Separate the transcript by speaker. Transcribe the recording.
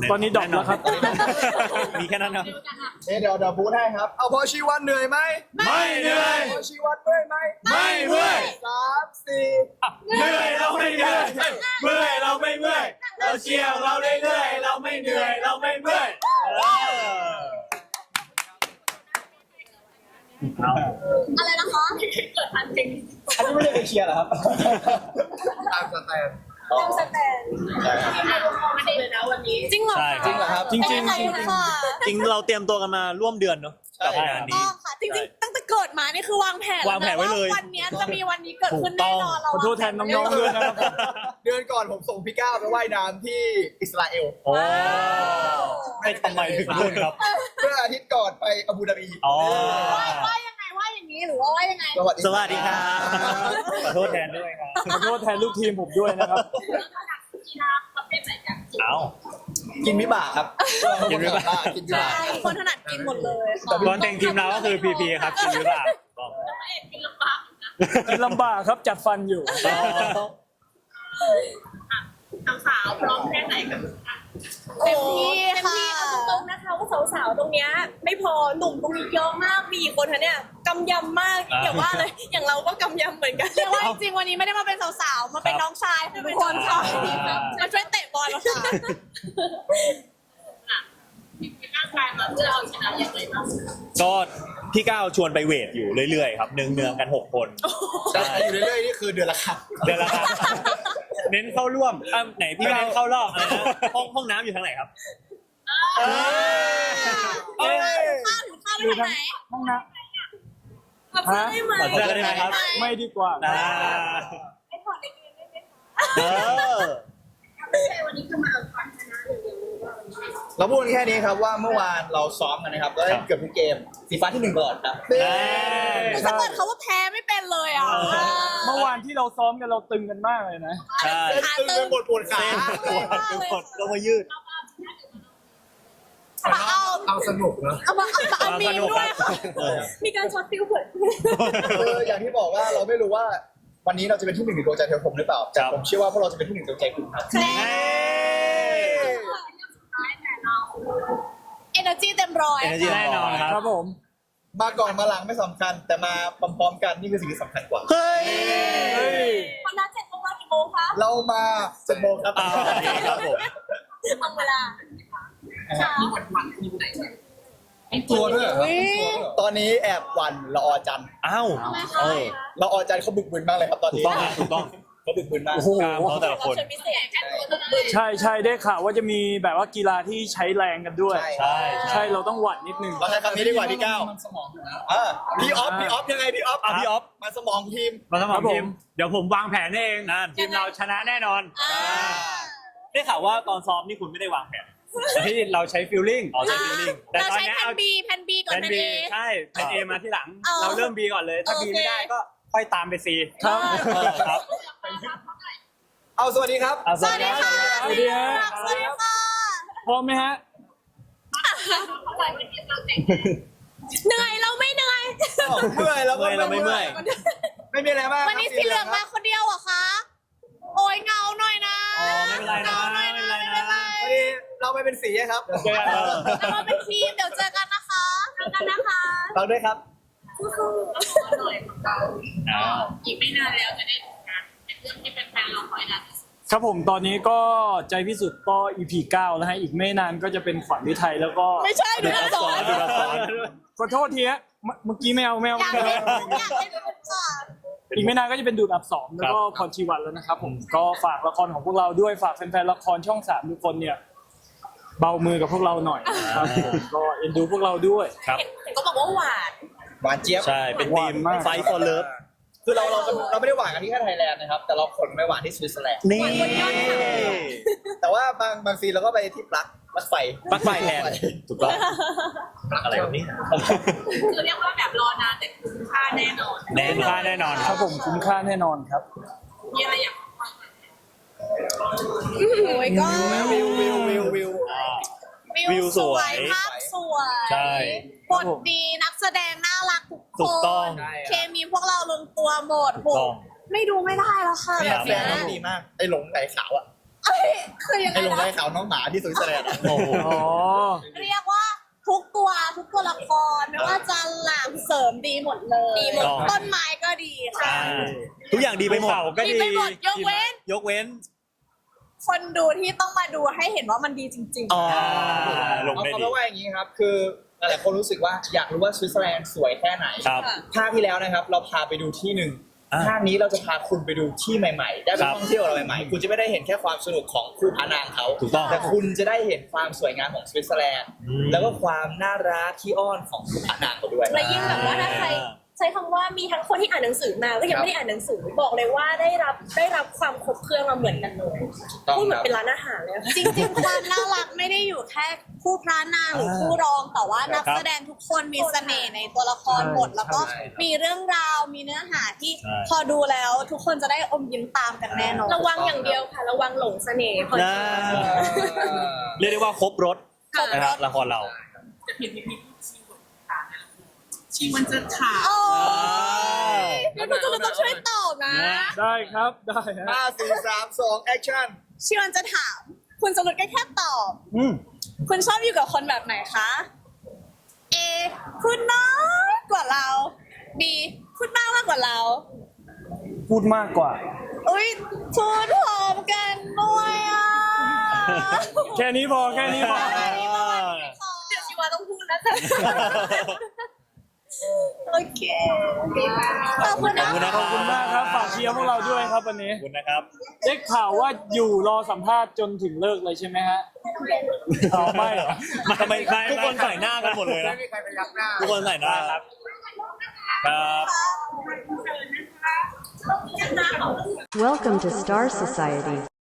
Speaker 1: ตอนนี้ดรอปแล้วครับ
Speaker 2: มีแค่นั้นครับ
Speaker 3: เดี๋ยวพูดให้ครับเอาพอชีวันเหนื่อยไหม
Speaker 2: ไม่เหนื่อย
Speaker 3: พอชีวันเมื่อยไหม
Speaker 2: ไม่เมื่อย
Speaker 3: 3 4
Speaker 2: เหนื่อยเราไม่เหนื่อยเมื่อยเราไม่เมื่อยเราเชียร์เราเรื่อยๆเราไม่เหนื่อยเราไม่เมื่อย
Speaker 4: อะไรนะคะเกิดทันจริง
Speaker 3: อันนี้ไม่ได้ไปเชียร์เหรอครับตามสแตน
Speaker 4: ทำสแตนไม่รู้มองไม่ได้เลยนะวันนี้จริงเหรอ
Speaker 2: ใช่
Speaker 3: จริงเหรอครับ
Speaker 1: จริง
Speaker 4: เป็นยังไงคะ
Speaker 2: จริงเราเตรียมตัวกันมาร่วมเดือนเนาะกับงานนี้
Speaker 4: ต้องค่ะจริงๆตั้งแต่เกิดมานี่คือวางแผน
Speaker 2: วางแผนไว้เลย
Speaker 4: วันนี้จะมีวันนี้เกิดขึ้นแน่นอนเรา
Speaker 1: ขอโทษแทนน้องๆด้วยนะครับ
Speaker 3: เดือนก่อนผมส่งพี่ก้าวไปว่ายน้ำที่อิสราเอล
Speaker 2: โอ้ไม่ทำไมถึงนู่นครับ
Speaker 3: เมื่ออาทิตย์ก่อนไปอาบูดาบี
Speaker 2: อ๋อ
Speaker 4: ว่ายังไงว่าอย่างนี้หรือว่าว่ายังไง
Speaker 3: สวัสดี
Speaker 2: สวัสดีครับขอโทษแทนด้วยครับ
Speaker 1: ขอโทษแทนลูกทีมผมด้วยนะครับ
Speaker 4: กีฬาประเภทไหนกัน
Speaker 2: เอา
Speaker 3: กินวิบากครับ
Speaker 2: กินวิบาก
Speaker 3: กินวิ
Speaker 4: ใช่
Speaker 3: บาก
Speaker 4: คนถนัดกินหมดเลยค่ะ
Speaker 2: ตอนแต่งทีมเราก็คือพีพีครับกินหรือเปล่า
Speaker 4: กินลำบากนะ
Speaker 1: กินลำบากครับจัดฟันอยู่
Speaker 4: สาวพร้อมแค่ไหนกันเต็มที่ค่ะตรงนะคะว่าสาวๆตรงเนี้ยไม่พอหนุ่มตรงนี้เยอะมากมีคนคะเนี่ยกำยำมากอย่าว่าเลยอย่างเราก็กำยำเหมือนกันเรียกว่าจริงๆวันนี้ไม่ได้มาเป็นสาวๆมาเป็นน้องชายของทุกคนค่ะมาช่วยเตะบอลแล้วค่ะร่างกายมาเพื่อเอาชนะอย่างไรบ้าง
Speaker 2: ก็พี่ก้าวชวนไปเวทอยู่เรื่อยๆครับเนืองๆกัน6 คน
Speaker 3: แต่อยู่เรื่อยๆนี่คือเดือนละครั้ง
Speaker 2: เดือนละครับเน้นเข้าร่วมไหนพี่ก้าวเข้ารอบอะไรนะห้องน้ำอยู่ทางไหนครับ
Speaker 4: ข้าวถึงข้าวไปทางไหน
Speaker 1: ห้องน้
Speaker 4: ขับเสื้อได้ไหม
Speaker 2: ขอเสื้อได้ไหมครับ
Speaker 1: ำไม่ดีกว่าครับ
Speaker 4: ไอ้ถอดในเกมได้ไหมคะ
Speaker 2: เออ
Speaker 4: ไม่ใช่วันนี้คือมาเอาความชนะอย่างเดียว
Speaker 3: เราพูดแค่นี้ครับว่าเมื่อวานเราซ้อมกันนะครับก็ได้เกือบทุกเกมสีฟ้าที่1ก่อนครับ
Speaker 4: ถ้าเกิดเขาว่าแพ้ไม่เป็นเลยอ่ะ
Speaker 1: เมื่อวานที่เราซ้อมกันเราตึงกันมากเลยนะ
Speaker 2: ใช่
Speaker 3: ตึงไปหมดปวดขา
Speaker 2: ทุกคนก็มายืด
Speaker 3: เอาสนุกนะ
Speaker 4: เอามีด้วยค่ะมีการช็อตฟิวเปิด
Speaker 3: คืออย่างที่บอกว่าเราไม่รู้ว่าวันนี้เราจะเป็นที่1ในดวงใจเทวผมหรือเปล่าแต่ผมเชื่อว่าพวกเราจะเป็นที่1ในดวงใจคุณครับ
Speaker 4: เอเนอร์จีเต็มร้อย
Speaker 2: Energy แน่นอนครับ
Speaker 1: ครับผม
Speaker 3: มาก่อนมาหลังไม่สำคัญ แต่มาพร้อมๆกันนี่คือสิ่งที่สำคัญกว่า
Speaker 2: เฮ้ย
Speaker 1: เฮ้ย
Speaker 4: ความนัด7 โมงกี่โมงคะ
Speaker 3: เรามา7 โมงครับ
Speaker 2: ดีครับผม
Speaker 4: ตรงเวลามีหวั่นอยู่ไหน
Speaker 3: ตัวด้วยตอนนี้แอบหวันละออจันทร์
Speaker 2: อ้าวเออ
Speaker 3: ละออจันทร์เขาบึกบึนมากเลยครับตอน
Speaker 2: ถูก
Speaker 3: นี้
Speaker 2: ต้องครับถูกต้อง
Speaker 3: เขาบึกบึนมาก
Speaker 1: โอ้โห
Speaker 2: กล้ามเขาแต่ละคน
Speaker 4: เชิญพิเศษแค่ตัวเท่านั้น
Speaker 1: ใช่ได้ข่าวว่าจะมีแบบว่ากีฬาที่ใช้แรงกันด้วย
Speaker 2: ใช่
Speaker 1: ใช่เราต้องหวัดนิดนึง
Speaker 3: เราใช้คำนี้ดีกว่าพี่ก้าวพี่ออฟยังไงพี่ออฟ
Speaker 2: พี่ออฟ
Speaker 3: มาสมองทีม
Speaker 2: มาสม
Speaker 1: ครั
Speaker 2: อง
Speaker 1: บผม
Speaker 2: ทีมเดี๋ยวผมวางแผนเองนั่นทีมเราชนะแน่นอนได้ข่าวว่าตอนซ้อมนี่คุณไม่ได้วางแผน
Speaker 1: ที่เราใช้ฟิลลิ่ง
Speaker 2: อ๋อใช้ฟีลลิ่งแต่
Speaker 4: เรา
Speaker 2: ตอน
Speaker 4: ใช้
Speaker 2: นี้
Speaker 4: แผ่
Speaker 2: เอา
Speaker 4: น B แผ่น B ก่อน
Speaker 2: แผน
Speaker 4: แผ่น
Speaker 2: บี
Speaker 4: A
Speaker 2: ใช่แผนเอมาที่หลัง
Speaker 4: เอา
Speaker 2: เราเริ่มบีก่อนเลยถ้า
Speaker 4: โอ
Speaker 2: บี
Speaker 4: เค
Speaker 2: ไม่ได้ก็ค่อยตามไปซี
Speaker 1: ครับ
Speaker 2: ครับ
Speaker 3: เอาสวัสดีครับ
Speaker 2: เอา
Speaker 4: สวัสดีค่ะ
Speaker 1: สวัสดีฮะ
Speaker 4: สวัสดีค่ะ
Speaker 1: พร้อมไหมฮะ
Speaker 4: เหนื่อยเราไม่เหนื่อย
Speaker 3: เมื่อยแล้วก็
Speaker 2: เราไม่เมื่อย
Speaker 3: ไม่มีอะไรมาก
Speaker 4: วันนี้สีเหลืองมาคนเดียวเหรอคะ โอ้ยเงาหน่อยนะ
Speaker 2: อ๋อไม่เป็นไรนะ
Speaker 4: เงาหน่อยนะ
Speaker 2: ไม่
Speaker 4: ไม่
Speaker 2: เป็
Speaker 4: เป็น น
Speaker 2: ไร
Speaker 4: ไร
Speaker 3: วันนี้เราไปเป็นสีครับ
Speaker 2: เจอกัน
Speaker 4: เรามาเป็นทีมเดี๋ยวเจอกันนะคะเจอกันนะคะ
Speaker 3: เราด้วยครับ
Speaker 4: สู้ๆหน่อยของเรา
Speaker 2: อ้าว
Speaker 4: อีกไม่นานแล้วจะได้ดูกันเป็นเรื่องที่เป็นแฟนเราคอยนานที่สุด
Speaker 1: ครับผมตอนนี้ก็ใจพิสุทธิ์ก็ EP 9แล้วฮะอีกไม่นานก็จะเป็นขวัญฤทัยแล้วก็
Speaker 4: ไม่ใช่ดูอักษร
Speaker 2: ดูละคร
Speaker 1: ขอโทษทีฮะเมื่อกี้ไม่เอา
Speaker 4: อยากเล่นอยากเล่นเป็นค่ะ
Speaker 1: อีกไม่นานก็จะเป็นดูดอับสองแล้วก็พรชีวันแล้วนะครับผมก็ฝากละครของพวกเราด้วยฝากแฟนๆละครช่อง3ทุกคนเนี่ยเบามือกับพวกเราหน่อยนะครับผมก็เอ็นดูพวกเราด้วย
Speaker 2: ครับ
Speaker 4: เห็นก็บอกว่าหวาน
Speaker 3: หวานเจี๊ยบ
Speaker 2: ใช่เป็นทีม
Speaker 1: หวานมาก
Speaker 2: ไฟฟอร์เลิฟ
Speaker 3: คือเราไม่ได้หวานกันที่แค่ไทยแลนด์นะครับ แต่เราขนไปหวานที่สวิตเซอร์แลนด์
Speaker 2: นี่
Speaker 3: แต่ว่าบางซีเราก็ไปที่ปลั๊กไฟ
Speaker 2: ปลั๊กไฟแทนถูกต้องอะไรแบบนี้
Speaker 4: คือเรียกว่าแบบรอนานแต่คุ้มค่าแน่นอน
Speaker 2: แน่นค่าแน่นอน
Speaker 1: ค
Speaker 2: ค
Speaker 1: รั
Speaker 2: รั
Speaker 1: บบ ผมคุ้มค่าแน่นอนครับ
Speaker 4: มีอะไรอยากฟังโอ้ยก็
Speaker 3: วิว
Speaker 2: วิวสวย
Speaker 4: ภาพสวย
Speaker 2: ใช่
Speaker 4: บทดีนักแสดงน่ารักทุก
Speaker 2: ถู
Speaker 4: ค
Speaker 2: กต้อง
Speaker 4: นเคมีพวกเราลงตัวหมด
Speaker 2: ถูกต้อง
Speaker 4: ไม่ดูไม่ได้แล้วค่ะ
Speaker 3: เนี่ย
Speaker 4: แบบ
Speaker 3: แฟนน้องดีมาก ไอ้หลงไหลขาวอ่ะ
Speaker 4: เอคือยังไง
Speaker 3: ให้ลงได้
Speaker 4: นะ
Speaker 3: ข่าวน้องหมาที่สวิตเซอร์แลนด์
Speaker 2: โอ้โห
Speaker 1: อ๋อ
Speaker 4: เรียกว่าทุกตัวละครไม่ว่าจะหลังเสริมดีหมดเลยดีหมดต้นไม้ก็ดีค่ะ
Speaker 2: ทุกอย่างดีไปหมด
Speaker 1: ก็
Speaker 4: ดีไปหมดยกเว้น คนดูที่ต้องมาดูให้เห็นว่ามันดีจริง
Speaker 2: อ๋อลง
Speaker 3: เอา
Speaker 2: ได้
Speaker 3: เอา
Speaker 2: ดี
Speaker 3: เป็นว่าอย่างนี้ครับ คือหลายๆคนรู้สึกว่าอยากรู้ว่าสวิตเซอร์แลนด์สวยแค่ไหน
Speaker 2: ครับ
Speaker 3: ภาคที่แล้วนะครับ เราพาไปดูที่หนึ่ง
Speaker 2: อ่า
Speaker 3: ภาคนี้เราจะพาคุณไปดูที่ใหม่ๆ ได้ไป
Speaker 2: ครับ
Speaker 3: ท่องเที่ยวอะไรใหม่ๆ คุณจะไม่ได้เห็นแค่ความสนุกของคู่พระนางเขา
Speaker 2: ถูกต้อง
Speaker 3: แต่คุณจะได้เห็นความสวยงามของสวิตเซอร์แลนด์
Speaker 2: อืม
Speaker 3: แล้วก็ความน่ารักขี้อ้อนของคู่พระนางเขาด้วย
Speaker 4: ๆและยิ่งแบบว่าถ้าใครใช้คำว่ามีทั้งคนที่อ่านหนังสือมาก็ยังไม่ได้อ่านหนังสือบอกเลยว่าได้รับความครบเครื่องมาเหมือนกันเลย
Speaker 3: ต้อง
Speaker 4: พูดเหมือ
Speaker 3: ครั
Speaker 4: น
Speaker 3: บ
Speaker 4: เป็นร้านอาหารเลยจริงๆความน่ารักไม่ได้อยู่แค่คู่พระนางหรือคู่รองแต่ว่านักแสดงทุกคนมีเสน่ห์ในตัวละครหมดแล้วก็มีเรื่องราวมีเนื้อหาที่พอดูแล้วทุกคนจะได้อมยิ้มตามกันแน่นอนระวังอย่างเดียวค่ะระวังหลงเสน่ห์คน
Speaker 2: นะเรียกได้ว่าครบรถนะครับละครเรา
Speaker 5: จะเห็นมีชีมันจะถาม
Speaker 4: โอ้ยพี่นุชจะต้องช่วยตอบนะ
Speaker 1: ได้ครับได้ฮะ
Speaker 3: 5 4 3 2 แอคชั่น
Speaker 4: ชิวันจะถาม คุณสรุปก็แค่ตอบ คุณชอบอยู่กับคนแบบไหนคะ A คุณน้อยกว่าเรา B คุณมากกว่าเรา
Speaker 1: พูดมากกว่า
Speaker 4: อุ้ยพูดพร้อมกันด้วยอ่ะ
Speaker 1: แค่นี้พอแค่นี้พอ
Speaker 4: เดี๋ยวชิวาต้องพูดแล้วจ้ะโอเคขอบคุณนะ
Speaker 1: ขอบคุณมากครับฝากเชียร์พวกเราด้วยครับวันนี้
Speaker 2: ขอบคุณนะครับ
Speaker 1: ได้ข่าวว่าอยู่รอสัมภาษณ์จนถึงเลิกเลยใช่ไหมฮะอ๋อไม่เหรอ
Speaker 2: ทำไมทุกคนใส่หน้ากันหมดเลยนะ
Speaker 3: ไม่มีใครไปยักหน้า
Speaker 2: ทุกคนใส่หน้าครับ ครับ
Speaker 6: Welcome to Star Society.